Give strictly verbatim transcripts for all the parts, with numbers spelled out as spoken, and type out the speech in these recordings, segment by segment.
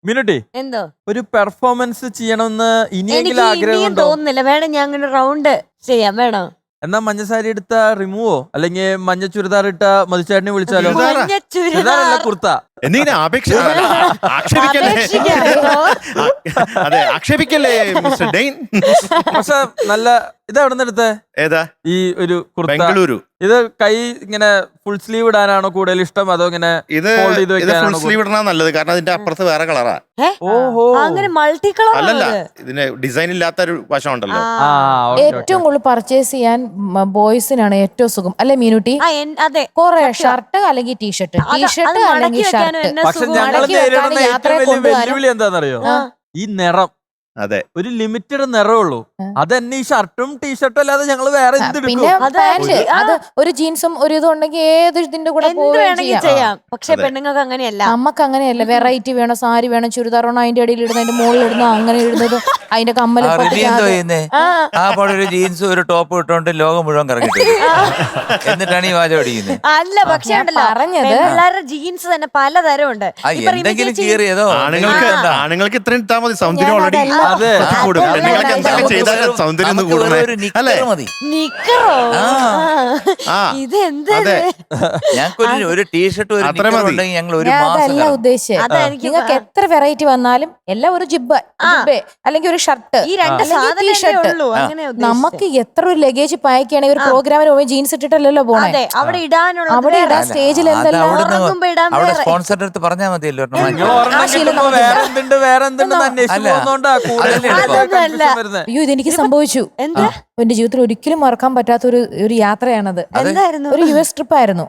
മിനുട്ടി എന്തോ ഒരു പെർഫോമൻസ് ചെയ്യണമെന്ന് ഇനിയെങ്കിലും എനിക്ക് ആഗ്രഹം ഇനിയും ഉണ്ടോ? തോന്നുന്നില്ല. വേണം ഞാൻ അങ്ങനെ റൗണ്ട് ചെയ്യാം. വേണോ? എന്നാ മഞ്ഞ സാരി എടുത്ത റിമൂവോ അല്ലെങ്കിൽ മഞ്ഞ ചുരിദാർ ഇട്ട മധുചേട്ടനെ വിളിച്ചാലോ? ചുരിദാറാ? മഞ്ഞ ചുരിദാറല്ല, ചുരിദാർ. കുർത്ത. എന്തെങ്കിലും ആപേക്ഷ ആക്ഷേപിക്കല്ലേ അപേക്ഷിക്കാമോ? അതെ ആക്ഷേപിക്കല്ലേ മിസ്റ്റർ ഡെയിൻ. പക്ഷെ നല്ല ഇതെവിടെ നിന്ന് എടുത്തേ? ഏതാ ഈ ഒരു കുർത്ത ബംഗളൂരു. ഇത് കൈ ഇങ്ങനെ ഫുൾ സ്ലീവ് ഇടാനാണോ കൂടുതൽ ഇഷ്ടം, അതോ ഇങ്ങനെ ഇത് fold ചെയ്ത് ഇത് ഫുൾ വെക്കാനാണോ സ്ലീവ് ഇടണ നല്ലത്, കാരണം അതിന്റെ അപ്പുറത്ത് വേറെ കളറാ. ഏ? ഓഹോ അങ്ങനെ മൾട്ടി കളർ അല്ലല്ല, ഇതിന് ഡിസൈൻ ഇല്ലാത്ത ഒരു വശം ഉണ്ടല്ലോ. ആ ഓക്കേ, ഏറ്റവും കൂടുതൽ പർച്ചേസ് ചെയ്യാൻ ബോയ്സിനാണ് ഏറ്റവും സുഖം അല്ലെ മീനുട്ടി? അതെ. കൊറേ ഷർട്ട് അല്ലെങ്കിൽ ടീഷർട്ട്, ടീഷർട്ട് അല്ലെങ്കിൽ ഷർട്ട്. പക്ഷെ ഞങ്ങൾ മടക്കി നേരിടുന്ന വെക്കാനും ഏറ്റവും യാത്രയെ വലിയ കൊണ്ടുപോകാനും. വെല്ലുവിളി എന്താണെന്നറിയോ? ആ. ഈ നിറം. അതെ, ഒരു ലിമിറ്റഡ് നിറമേ ഉള്ളൂ. അതന്നെ ഈ ഷർട്ടും ടീഷർട്ടും അല്ലാതെ ഞങ്ങൾ വേറെ എന്തെടുക്കും? പിന്നെ അത് പാന്റ്, ആ. അത് ഒരു ജീൻസും ഒരു ഇതും ഉണ്ടെങ്കിൽ ഏത് ഇതിന്റെ കൂടെ എന്ത് പോവുകയും വേണമെങ്കിൽ ചെയ്യാം. ചെയ്യാം. പക്ഷെ അതെ. പെണ്ണുങ്ങൾക്ക് അങ്ങനെയല്ല. നമുക്ക് അങ്ങനെയല്ല, വെറൈറ്റി വേണം, സാരി വേണം, ചുരിദാർ വേണം, അതിന്റെ ഇടയിൽ ഇടുന്ന അതിന്റെ മുകളിൽ ഇടുന്ന അങ്ങനെ ഇടുന്നത്, അതിന്റെ കമ്മല് ആ റിമി എന്തോ ചെയ്യുന്നേ? ആ പാടെ ഒരു ജീൻസും ഒരു ടോപ്പ് ഇട്ടോണ്ട് ലോകം മുഴുവൻ കറങ്ങിട്ട് എന്നിട്ടാണ് ഈ വാചം അടിക്കുന്നത്. അല്ല പക്ഷെ ഞാൻ ഉണ്ടല്ലോ, പറഞ്ഞത് പിള്ളേരുടെ ജീൻസ് തന്നെ പലതരം ഉണ്ട്. ആ എന്തെങ്കിലും കീറിയതോ ആണുങ്ങൾക്ക് ആണുങ്ങൾക്ക് ഇത്രയും ഇട്ടാ മതി, സൗന്ദര്യം ഓൾറെഡി അതെ. കൂടും. പെണ്ണുങ്ങൾക്ക് എന്തെങ്കിലും ചെയ്താൽ സൗന്ദര്യം ഒന്ന് കൂടണേ അല്ലേ? മതി. നിക്കറോ? ആ. ഇതെന്ത്? അതെ. ഞങ്ങൾക്ക് ഒരു ടീഷർട്ട് ഒരു അത്ര നിക്കറും മതി. ഉണ്ടെങ്കിൽ ഞങ്ങൾ ഒരു ഞാൻ മാസം അതല്ല കറങ്ങും. ഉദ്ദേശിച്ചത്. അതാ എനിക്ക് നിങ്ങൾക്ക് എത്ര വെറൈറ്റി വന്നാലും എല്ലാം ഒരു ജിബ്ബ ജിബ്ബേ അല്ലെങ്കിൽ ഒരു ഷർട്ട് ഈ രണ്ട് സാധനമേ ടീഷർട്ട്. ഉള്ളൂ. അങ്ങനെ നമുക്ക് എത്ര ഒരു ലഗേജ് പായ്ക്കുകയാണെങ്കിൽ ഒരു പ്രോഗ്രാമിന് പോകുമ്പോൾ ജീൻസ് ഇട്ടിട്ടല്ലോ പോണേ. അതെ, അവിടെ ഇടാനുള്ള അവിടെ ഇടാൻ സ്റ്റേജിൽ അത് എന്തെല്ലാം അവിടുന്ന് ഉറങ്ങുമ്പോ ഇടാൻ അവിടെ വേറെ. സ്പോൺസറിന്റെ അടുത്ത് പറഞ്ഞാൽ മതിയല്ലോ ഒരെണ്ണം നിങ്ങൾ വാങ്ങിക്കാൻ. ഒരെണ്ണം ആ ശീലം കിട്ടുമ്പോ നമുക്കില്ല. വേറെ എന്തുണ്ട് വേറെ എന്തുണ്ടെന്ന് അന്വേഷിച്ച് അല്ല. പോകുന്നോണ്ടാ കൂടുതൽ അതല്ലേ എളുപ്പം. confusion വരുന്നത്. അയ്യോ ഇതെനിക്ക് സംഭവിച്ചു. എന്താ? എന്റെ ജീവിതത്തിൽ ഒരിക്കലും മറക്കാൻ പറ്റാത്ത ഒരു ഒരു യാത്രയാണത്. എന്തായിരുന്നു? ഒരു യു എസ് ട്രിപ്പ് ആയിരുന്നു.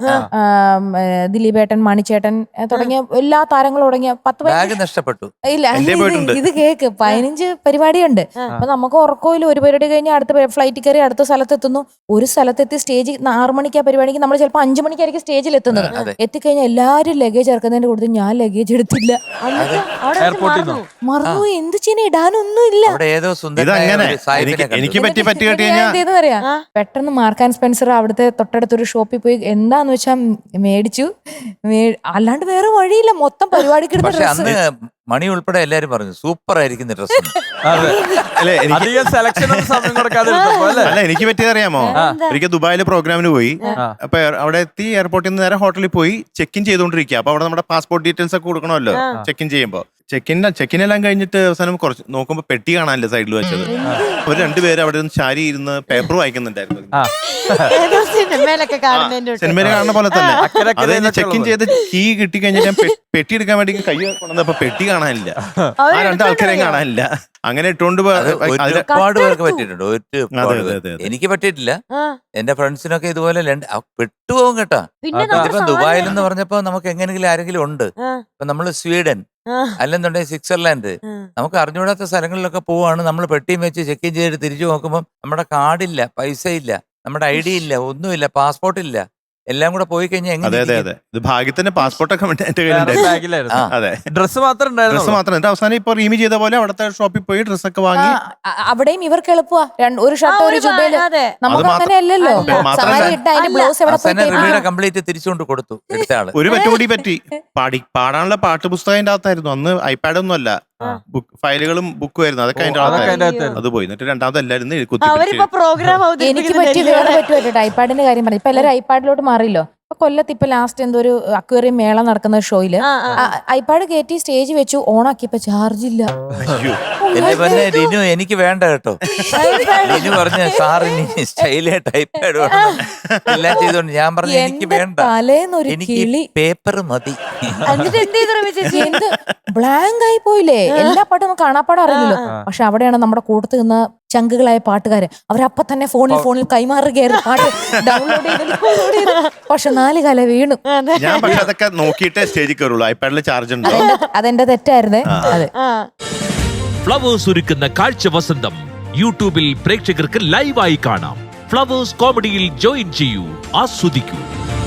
ദിലീപേട്ടൻ, മണിച്ചേട്ടൻ ഏ, തുടങ്ങിയ എല്ലാ താരങ്ങളും തുടങ്ങിയ പത്ത് ബാഗ് പതിനഞ്ച് നഷ്ടപ്പെട്ടു. ഇല്ല എന്റെ ഇത് പോയിട്ടുണ്ട്. ഇത് കേക്ക് പതിനഞ്ച് പരിപാടിയുണ്ട്. അപ്പൊ നമുക്ക് ഉറക്കമില്ല. ഒരു പരിപാടി കഴിഞ്ഞാൽ അടുത്ത ഫ്ലൈറ്റ് കയറി അടുത്ത സ്ഥലത്തെത്തുന്നു. ഒരു സ്ഥലത്തെത്തി സ്റ്റേജ് ആറു മണിക്ക് ആ പരിപാടിക്ക് നമ്മൾ ചിലപ്പോൾ അഞ്ചു മണിക്കായിരിക്കും സ്റ്റേജിൽ എത്തുന്നത്. അതെ. എത്തിക്കഴിഞ്ഞാൽ എല്ലാവരും ലഗേജ് ഇറക്കുന്നതിന്റെ കൂടുതൽ ഞാൻ ലഗേജ് എടുത്തില്ല. എന്നിട്ട് അവിടെ എയർപോർട്ടിൽ മറന്നു. മറന്നു. എന്ത് ചെയ്യാൻ, ഇടാനൊന്നും ഇല്ല. അവിടെ ഏതോ സുന്ദരനായ ഇതങ്ങനെ ഒരു സായിപ്പിനെ എനിക്ക് കണ്ടു. എനിക്ക് പറ്റി പറ്റി കേട്ട് ഞാൻ കഴിഞ്ഞാൽ എന്ത് ചെയ്തെന്ന് അറിയാം? ആ. പെട്ടെന്ന് മാർക്ക് ആൻഡ് സ്പെൻസർ അവിടുത്തെ തൊട്ടടുത്തൊരു ഷോപ്പിൽ പോയി എന്താന്ന് വെച്ചാൽ മേടിച്ചു. മേ- അല്ലാണ്ട് വേറെ വഴിയില്ല. മൊത്തം പരിപാടിക്ക് ഇടുന്ന പക്ഷെ ഡ്രസ്സ്. അന്ന് മണി ഉൾപ്പെടെ എല്ലാരും പറഞ്ഞു സൂപ്പർ ആയിരിക്കുന്ന ഡ്രസ്. അതെ. അല്ലെ എനിക്ക് അധികം സെലക്ഷൻ ഒന്നും സമയം കൊടുക്കാതെ എടുത്തപ്പോ അല്ലേ? അല്ല എനിക്ക് പറ്റിയത് അറിയാമോ? ഒരിക്കൽ ദുബായില് പ്രോഗ്രാമിന് പോയി. അപ്പൊ എയർ- അവിടെ എത്തി എയർപോർട്ടിൽ നിന്ന് നേരെ ഹോട്ടലിൽ പോയി ചെക്ക് ഇൻ ചെയ്തുകൊണ്ടിരിക്കുക. അപ്പൊ അവിടെ നമ്മുടെ പാസ്പോർട്ട് ഡീറ്റെയിൽസ് ഒക്കെ കൊടുക്കണമല്ലോ ചെക്ക് ഇൻ ചെയ്യുമ്പോ. ചെക്കിൻ ചെക്കിൻ എല്ലാം കഴിഞ്ഞിട്ട് അവസാനം കുറച്ച് നോക്കുമ്പോ പെട്ടി കാണാനല്ലേ സൈഡിൽ വെച്ചത്. ഒരു രണ്ടുപേര് അവിടെ നിന്ന് ചാരി ഇരുന്ന് പേപ്പർ വായിക്കുന്നുണ്ടായിരുന്നു. ആ. ഏതോ സിനിമയിലൊക്കെ കാണുന്നതിന്റെ കൂട്ട്. സിനിമയിൽ കാണുന്ന പോലെ തന്നെ. അക്കരക്കര അത് എന്നൊക്കെ ചെക്ക് ഇൻ ചെയ്ത് കീ കിട്ടി കഴിഞ്ഞിട്ട് ഞാൻ പെ- പെട്ടി എടുക്കാൻ വേണ്ടി കൈ കൊണ്ടുവന്നപ്പോ പെട്ടി കാണാനില്ല. ആ രണ്ട് ആൾക്കാരെയും കാണാനില്ല. അങ്ങനെ ഇട്ടുകൊണ്ട് പോ- അത് അതില് ഒരുപാട് പേർക്ക് പറ്റിയിട്ടുണ്ട്. ഒരുപാട് അതെ, അതെ, പേർക്ക്. അതെ. എനിക്ക് പറ്റിയിട്ടില്ല. ആ. എന്റെ ഫ്രണ്ട്സിനൊക്കെ ഇതുപോലെ ലണ്ട- ആ, പെട്ടുപോകും കേട്ടാ. പിന്നെ അതാ. നമ്മുടെ ഇപ്പം സാധനം- ദുബായിൽ എന്ന് പറഞ്ഞപ്പോ നമുക്ക് എങ്ങനെങ്കിലും ആരെങ്കിലും ഉണ്ട്. ആ. ഇപ്പൊ നമ്മള് സ്വീഡൻ ആ. അല്ലെന്നുണ്ടെങ്കിൽ സ്വിറ്റ്സർലാൻഡ്, ആ. നമുക്ക് അറിഞ്ഞുകൂടാത്ത സ്ഥലങ്ങളിലൊക്കെ പോവാണ്. നമ്മൾ പെട്ടിയും വെച്ച് ചെക്ക് ഇൻ ചെയ്തിട്ട് തിരിച്ചു നോക്കുമ്പോൾ നമ്മുടെ കാർഡില്ല, പൈസ ഇല്ല, നമ്മുടെ ഐ ഡി ഇല്ല, ഒന്നുമില്ല, പാസ്പോർട്ട് ഇല്ല. എല്ലാം കൂടെ പോയി കഴിഞ്ഞാൽ അതെ അതെ എങ്ങനെ അതെ ഇത് ഭാഗ്യത്തിന്റെ പാസ്പോർട്ടൊക്കെ എന്റെ വേറെ കയ്യിലുണ്ടായിരുന്നു. ബാഗിലായിരുന്നു. ആ. അതെ ഡ്രസ് മാത്രം ഡ്രസ് ഉണ്ടായിരുന്നു. മാത്രം. എന്നിട്ട് അവസാനം ഇപ്പൊ റീമി ചെയ്ത പോലെ അവിടുത്തെ ഷോപ്പിൽ പോയി ഡ്രസ്സൊക്കെ വാങ്ങി. ആ, അ- അവിടെയും ഇവർക്ക് എളുപ്പമാ. രണ്ട് ഒരു ആ, ഷർട്ട് ഒരു ഒരു ജുബയില്. അതെ. നമുക്ക് അത് അങ്ങനെ അല്ലല്ലോ. അല്ല. മാത്രമല്ല- സാരി ഇട്ട് അതിന്റെ ബ്ലൗസ് എവിടെ പോയി അവസാനം റിമിയുടെ തേപ്പിക്കണം? കംപ്ലീറ്റ് തിരിച്ചുകൊണ്ട് കൊടുത്തു എടുത്ത ആള്. ഒരു പറ്റുകൂടി പറ്റി. പാടി പാടാനുള്ള പാട്ട് പുസ്തകം അതിന്റെ അകത്തായിരുന്നു. അന്ന് ഐപാഡ് ഒന്നും അല്ല, ബുക്ക് ഫയലുകളും ബുക്കും ആയിരുന്നു. അതൊക്കെ അതിന്റെ അതൊക്കെ അകത്തായിരുന്നു. അതിന്റെ അകത്തായിരുന്നു. അത് പോയി. എന്നിട്ട് രണ്ടാമത് എല്ലാവരും കുത്തി അവരിപ്പോ പിടിച്ച് പ്രോഗ്രാം എനിക്ക് പറ്റി വേറെ പറ്റുമല്ലോ. ഐപാഡിന്റെ കാര്യം പറഞ്ഞു. ഇപ്പൊ എല്ലാവരും ഐപാഡിലോട്ട് മാറിയല്ലോ. ഇപ്പൊ കൊല്ലത്ത് ഇപ്പൊ ലാസ്റ്റ് എന്തോ ഒരു അക്വേറിയം മേള നടക്കുന്ന ഷോയില് ഐപാഡ് കയറ്റി സ്റ്റേജ് വെച്ചു, ഓണാക്കിയപ്പോ ചാർജ് ഇല്ല. അയ്യോ. എന്റെ പിന്നെ രിനു എനിക്ക് വേണ്ട കേട്ടോ. രിനു പറഞ്ഞ സാറിന് സ്റ്റൈലായിട്ട് ഐപാഡ് വേണം എല്ലാം ചെയ്തോണ്ട് ഞാൻ പറഞ്ഞു എനിക്ക് എന്റെ വേണ്ട, തലേന്നൊരു എനിക്ക് കിളി പേപ്പർ മതി. എന്നിട്ട് എന്ത് ചെയ്തു റമി ചേച്ചി? എന്ത് ബ്ലാങ്ക് ആയി പോയില്ലേ. എല്ലാ പാട്ടും നമുക്ക് കാണാപ്പാടം അറിയില്ലല്ലോ. പക്ഷെ അവിടെയാണ് നമ്മുടെ കൂട്ടത്ത് നിന്ന് ചങ്കുകളായ പാട്ടുകാര്. അവരപ്പൊ തന്നെ ഫോണിൽ ഫോണിൽ കൈമാറുകയായിരുന്നു പാട്ട് ഡൗൺലോഡ് ചെയ്ത് download ചെയ്ത്. പക്ഷെ നാല് കാല വീണു. ഞാൻ പക്ഷെ അതൊക്കെ നോക്കിയിട്ടേ സ്റ്റേജിൽ കയറുള്ളൂ. ഐപാഡിൽ ചാർജ് ഉണ്ടോ? അതെന്റെ- അതെന്റെ തെറ്റായിരുന്നേ. അതെ. ആ. ഫ്ലവേഴ്സ് ഒരുക്കുന്ന കാഴ്ച വസന്തം യൂട്യൂബിൽ പ്രേക്ഷകർക്ക് ലൈവായി കാണാം. ഫ്ലവേഴ്സ് കോമഡിയിൽ ജോയിൻ ചെയ്യൂ, ആസ്വദിക്കൂ.